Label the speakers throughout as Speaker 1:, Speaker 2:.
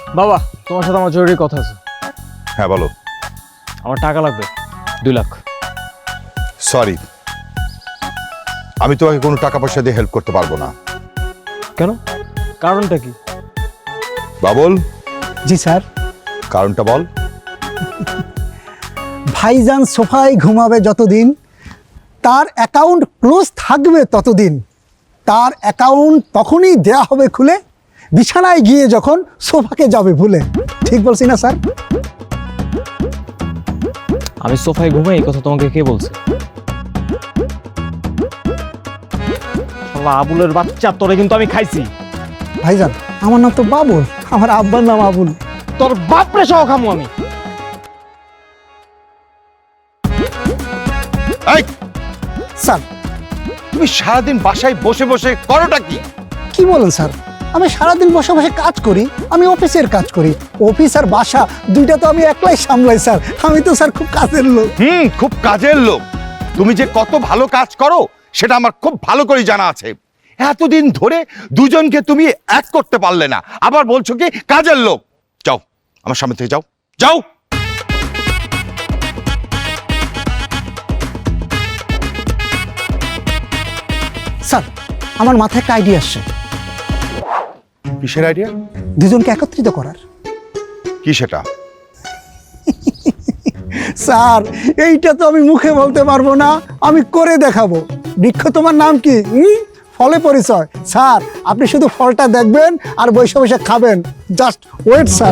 Speaker 1: বাবা, তোমার সাথে আমার জরুরি কথা আছে।
Speaker 2: হ্যাঁ বলো।
Speaker 1: আমার টাকা লাগবে 2 লাখ।
Speaker 2: সরি, আমি তোমাকে কোনো টাকা পয়সা দিয়ে হেল্প করতে পারবো না।
Speaker 1: কেন? কারণটা কি?
Speaker 2: বাবুল,
Speaker 3: জি স্যার।
Speaker 2: কারণটা বল।
Speaker 3: ভাইজান সোফায় ঘুমাবে যতদিন, তার অ্যাকাউন্ট ক্লোজ থাকবে ততদিন। তার অ্যাকাউন্ট তখনই দেয়া হবে খুলে, বিছানায় গিয়ে যখন সোফাকে যাবে ভুলে। ঠিক বলছি না স্যার?
Speaker 1: আমি সোফায় ঘুমাই, এই কথা তোমাকে কে বলছে? শালা আবুলের বাচ্চা, তোরে কিন্তু আমি খাইছি।
Speaker 3: ভাইজান, আমার নাম তো বাবুল, আমার আব্বার নাম আবুল।
Speaker 1: তোর বাপরে সহ খামু আমি।
Speaker 2: এই,
Speaker 3: স্যার,
Speaker 2: তুমি সারাদিন বাসায় বসে বসে করোটা কি?
Speaker 3: কি বলেন স্যার? আমি সারাদিন বসে বসে কাজ করি, আমি অফিসের কাজ করি। অফিস আর বাসা দুইটা তো আমি একলাই সামলাই স্যার। আমি তো স্যার খুব কাজের লোক।
Speaker 2: খুব কাজের লোক। তুমি যে কত ভালো কাজ করো সেটা আমার খুব ভালো করে জানা আছে। এতদিন ধরে দুজনকে তুমি এক করতে পারলে না, আবার বলছো কি কাজের লোক। যাও আমার সামনে থেকে যাও, যাও।
Speaker 3: স্যার, আমার মাথায় একটা আইডিয়া আসছে,
Speaker 2: কিসের আইডিয়া?
Speaker 3: দুজনকে একত্রিত করার।
Speaker 2: কি সেটা?
Speaker 3: স্যার, এইটা তো আমি মুখে বলতে পারবো না, আমি করে দেখাবো। বৃক্ষ, তোমার নাম কি? ফলে পরিচয়। স্যার, আপনি শুধু ফলটা দেখবেন আর বসে বসে খাবেন। Just wait sir.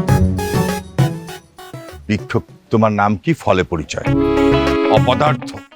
Speaker 2: বৃক্ষ, তোমার নাম কি? ফলে পরিচয়? অপদার্থ।